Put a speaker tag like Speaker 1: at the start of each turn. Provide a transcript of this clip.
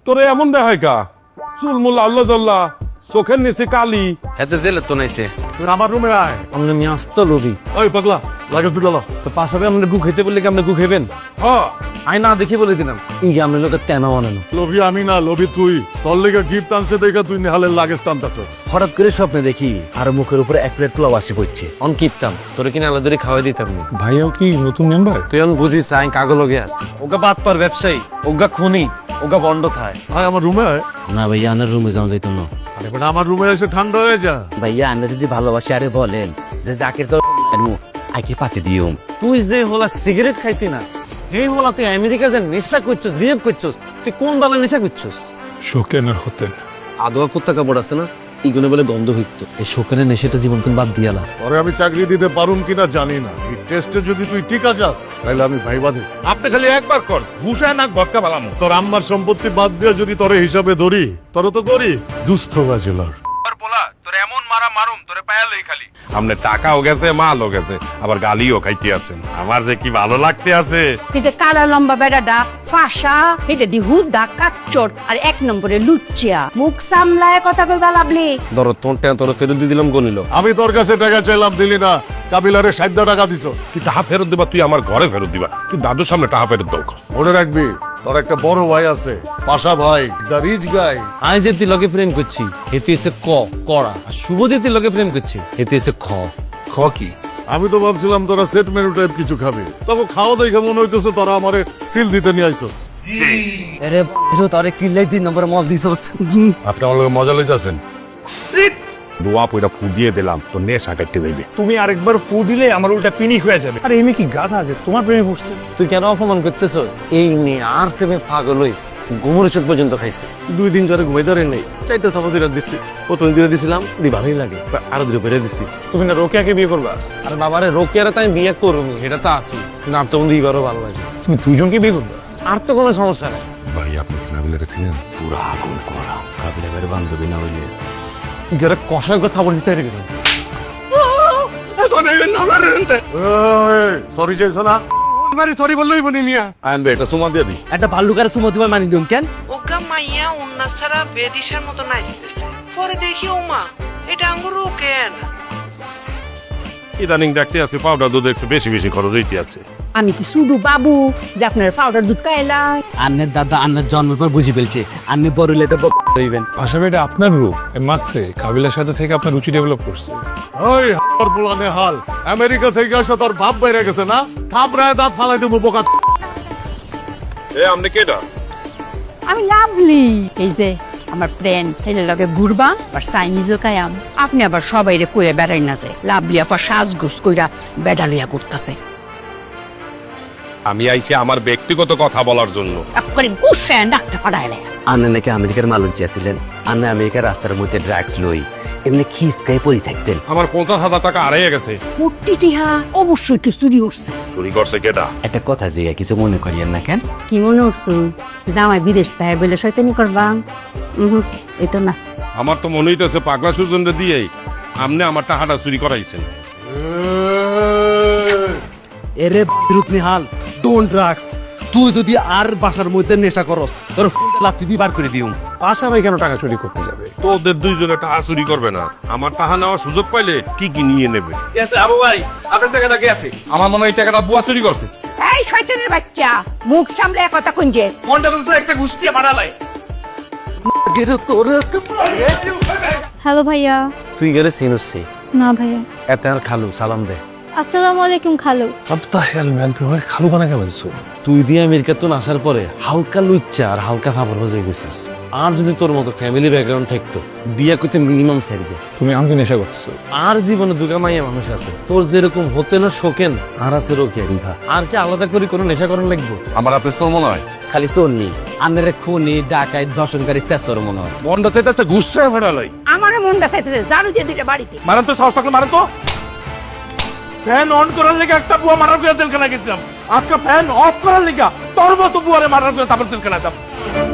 Speaker 1: তোরে এমন দেখায় কা চুলমুল আল্লাহ জল্লা চোখের নিচে কালি
Speaker 2: হেতে জেলে তো নাইছে
Speaker 3: তুই আমার রুমে আয়।
Speaker 2: আমরা নিয়ে আসতো লোভি
Speaker 3: ওই পাগলা লাগেজ দুটো লো।
Speaker 2: তো পাশাপে আমরা গু খেতে বললে কি আপনি গু খেবেন
Speaker 3: হ্যাঁ
Speaker 2: আই না দেখে বলে দিলাম ই আমরা লোকের তেনা বানানো
Speaker 3: লোভি আমি না, লোভি তুই। তোর লেগে গিফট আনছে দেখা তুই নেহালের লাগেজ টানতাছস।
Speaker 2: হঠাৎ করে স্বপ্নে দেখি আর মুখের উপরে এক প্লেট পোলাও আসি পড়ছে অন কিপতাম তোরে কিনা আলাদা খাওয়াই দিতাম না
Speaker 1: ভাইয়াও কি নতুন মেম্বার?
Speaker 2: তুই অন বুঝিস আই কাগজ লগে আছে ওগা বাদ পার ব্যবসায়ী ওগা খুনি ওগা বন্ধ থায়
Speaker 3: আয় আমার রুমে আয়।
Speaker 2: না ভাইয়া আনার রুমে যাওয়া যাইতো না
Speaker 3: আরে বেটা আমার রুমে এসে ঠান্ডা হয়ে যা।
Speaker 2: ভাইয়া আন্না যদি ভালোবাসে আরে বলেন যে জাকির তো আইকে পাতি দিও তুই যে হলা সিগারেট খাইতি না এই হলা তুই আমেরিকা যে নেশা করছস রিয়েপ করছস তুই কোন বালা নেশা করছস
Speaker 1: শোকেনের হোটেল।
Speaker 2: আদোয়া কুত্তা কাপড় আছে না ইগুলো বলে গন্ধ হইতো এই শোকেনের নেশাটা জীবন তুমি বাদ দিয়ালা
Speaker 3: পরে আমি চাকরি দিতে পারুম কিনা জানি না। এই টেস্টে যদি তুই টিকা যাস তাহলে আমি ভাইবা দেব।
Speaker 1: আপনি খালি একবার কর ভূষা নাক বসকা বালামু।
Speaker 3: তোর আম্মার সম্পত্তি বাদ দিয়ে যদি তোরে হিসাবে ধরি তোর তো করি দুস্থ বাজেলার।
Speaker 1: আমনে টাকাও গেছে মালও গেছে আবার গালিও খাইতে আছেন। আমার যে কি ভালো লাগতে আছে।
Speaker 4: কিন্তু কালা লম্বা বেড়াটা ফাঁসা এটা দি হুদা কাচ্চর আর এক নম্বরে লুচ্চিয়া মুখ সামলায় কথা কইবা লাভলি
Speaker 2: ধরো তোর টাকা তোর ফেরত দিয়ে দিলাম গনিল
Speaker 3: আমি তোর কাছে টাকা চাইলাম দিলি না, কাবিলারে 60 টাকা দিছস।
Speaker 1: তুই টাকা ফেরত দিবা, তুই আমার ঘরে ফেরত দিবা। তুই দাদুর সামনে টাকা ফেরত দাও।
Speaker 3: মনে রাখবি তোর একটা বড় ভাই আছে পাশা ভাই, দ্য রিচ গাই।
Speaker 2: আই যে তুই লগে প্রেম করছি হেতে এসে কড়া আর শুভ যে তুই লগে প্রেম করছি হেতে এসে
Speaker 1: খ কি?
Speaker 3: আমি তো ভাবছিলাম তোরা সেট মেনু টাইপ কিছু খাবি, তবে খাওয়া দেখে মনে হইতেছে তোরা আমারে সিল দিতে নিয়ে আইছস।
Speaker 2: আরে তোরে কিল্লাই 2 নম্বর মল দিছস
Speaker 1: আপনি আমার লগে মজা লইতাছেন। দোয়া পয়টা ফু দিয়ে দিলাম তো নেশা কাটতে যাইবে।
Speaker 5: তুমি আরেকবার ফু দিলে আমার উল্টা পিনিক হয়ে যাবে। আরে এমনি কি গাধা আছে তোমার প্রেমে পড়ছে?
Speaker 2: তুই কেন অপমান করতেছস এই নিয়ে আর প্রেমে পাগল হই ঘুমরে চোখ পর্যন্ত খাইছে 2 দিন ধরে ঘুমাই ধরে নেই 4টা সাপোজিরা দিছি প্রথম দিনে দিছিলাম দি ভালোই লাগে আরো দিনে বেড়ে দিছি
Speaker 5: তুমি না রোকেয়াকে বিয়ে করবা?
Speaker 2: আরে বাবারে রোকিয়ারে তাই বিয়ে করবি এটা তো আসি কিন্তু আর তো দিবারও ভালো লাগে
Speaker 5: তুমি দুইজনকে বিয়ে করবা?
Speaker 2: আর তো কোনো সমস্যা নাই
Speaker 6: ভাই আপনি কাবিলারে ছিলেন পুরা আগুন করা কাবিলা ভাইয়ের বান্ধবী না হইলে
Speaker 5: ইগারে কষায় কথা বলতে চাই কেন?
Speaker 3: সরি চাইছ না?
Speaker 5: সরি বললোই বলি মিয়া।
Speaker 3: আনবে এটা সুমা দিয়ে দি।
Speaker 2: একটা ভাল্লুকারে সুমতি ভাই মানি দিম কেন
Speaker 7: ওগা মাইয়া উন্না সারা বেদিশার মতো নাচতেছে পরে দেখি ওমা এটা আঙ্গুর ওকে না
Speaker 1: ইদানিং দেখতে আছে পাউডার দুধ একটু বেশি বেশি খরচ হইতে আছে।
Speaker 4: আমি কি শুধু বাবু যে আপনার পাউডার দুধ খাইলাই
Speaker 2: আন্নের দাদা আন্নের জন্মের পর বুঝি ফেলছে আন্নি বড় হইলে এটা হইবেন
Speaker 8: পাশাপাশি এটা আপনার রূপ মাসে কাবিলার সাথে থেকে আপনার রুচি ডেভেলপ করছে।
Speaker 3: ওই তোর বুলানে হাল আমেরিকা থেকে আসা তোর ভাব বাইরে গেছে না, থাপড়ায় দাঁত ফালাই দেবো বোকা।
Speaker 1: এ আমনে কেডা?
Speaker 4: আমি লাভলি এই যে আমার ফ্রেন্ড এর লগে ঘুরবা আর চাইনিজও খাইয়াম আপনি আবার সবাইরে কইয়া বেড়াই না যে লাভলি আপা সাজগুজ কইরা বেড়া লইয়া ঘুরতাছে
Speaker 1: আমি আইছি আমার ব্যক্তিগত কথা বলার জন্য।
Speaker 4: করে গুছে ডাক্তার পাঠাইলে
Speaker 2: আন্নে নাকি আমেরিকার মালুক ছিলেন আন্নে আমেরিকার রাস্তার মধ্যে ড্রাগস লই এমনি খিসকাই পড়ে থাকতেন
Speaker 1: আমার 50,000 টাকা হারিয়ে গেছে।
Speaker 4: মুট্টি টিহা অবশ্যই কি চুরি উঠছে
Speaker 1: চুরি করছে কেডা?
Speaker 2: একটা কথা যে কিছু মনে করিয়েন না কেন
Speaker 4: কি মনে উঠছো জামাই বিদেশ তাই বলে শয়তানি করবা এই তো না
Speaker 1: আমার তো মনে হইতেছে পাগলা সুজনরে দিয়েই আমনে আমার টাকাটা চুরি করাইছেন।
Speaker 9: এরে বিরুদ্ধ নিহাল ডোন্ট ড্রাগস তুই যদি আর বাসার মধ্যে নেশা করস তোর লাত্তি দিয়ে বার করে দিউম
Speaker 8: পাশা ভাই কেন টাকা চুরি করতে যাবে?
Speaker 1: তোদের দুইজনে টাকা চুরি করবে না, আমার টাকা নেওয়ার সুযোগ পাইলে কি কি নিয়ে নেবে।
Speaker 9: আবু ভাই আপনার টাকাটা কে আছে?
Speaker 8: আমার মনে হয় এই টাকাটা বুয়া চুরি করছে।
Speaker 4: এই শয়তানের বাচ্চা মুখ সামলে কথা কইছে
Speaker 5: মনটা তো একটা ঘুষ দিয়ে মারালাই।
Speaker 10: হ্যালো ভাইয়া।
Speaker 2: তুই গেলে সিনুসি
Speaker 10: না ভাইয়া।
Speaker 2: এত আর খালু সালাম দে
Speaker 10: আসসালামু আলাইকুম খালু।
Speaker 8: আব্বা হেল ম্যান তুমি খালু বানা কেমন ছো?
Speaker 2: তুই দিয়ে আমেরিকা তো আসার পরে হালকা লুচ্চা আর হালকা ফাবর হয়ে গেছিস আর যদি তোর মতো ফ্যামিলি ব্যাকগ্রাউন্ড থাকতো বিয়ে করতে মিনিমাম সারবে
Speaker 8: তুমি আমাকে নেশা করতেছো।
Speaker 2: আর জীবনে দুগা মাইয়া মানুষ আছে তোর যেরকম হতে না শোকেন আর আছে রোকে আর কি আলাদা করে কোনো নেশা করার লাগবো?
Speaker 1: আমার আপনি তোর মনে হয়
Speaker 2: খালি চোরনি আন্নারে খুনি ডাকাই ধর্ষণকারী চেষ্টার মনে হয়
Speaker 1: মনটা চাইতেছে ঘুষছে ফেরালাই।
Speaker 4: আমার মনটা চাইতেছে জারু দিয়ে দিতে বাড়িতে
Speaker 5: মারেন তো সাহস থাকলে মারেন তো। ফ্যান অন করার লেগে একটা বুয়া মারার করে জেলখানা গেছিলাম, আজকে ফ্যান অফ করার লেগে তোর মতো বুয়ারে মারার করে তারপর জেলখানা যাব।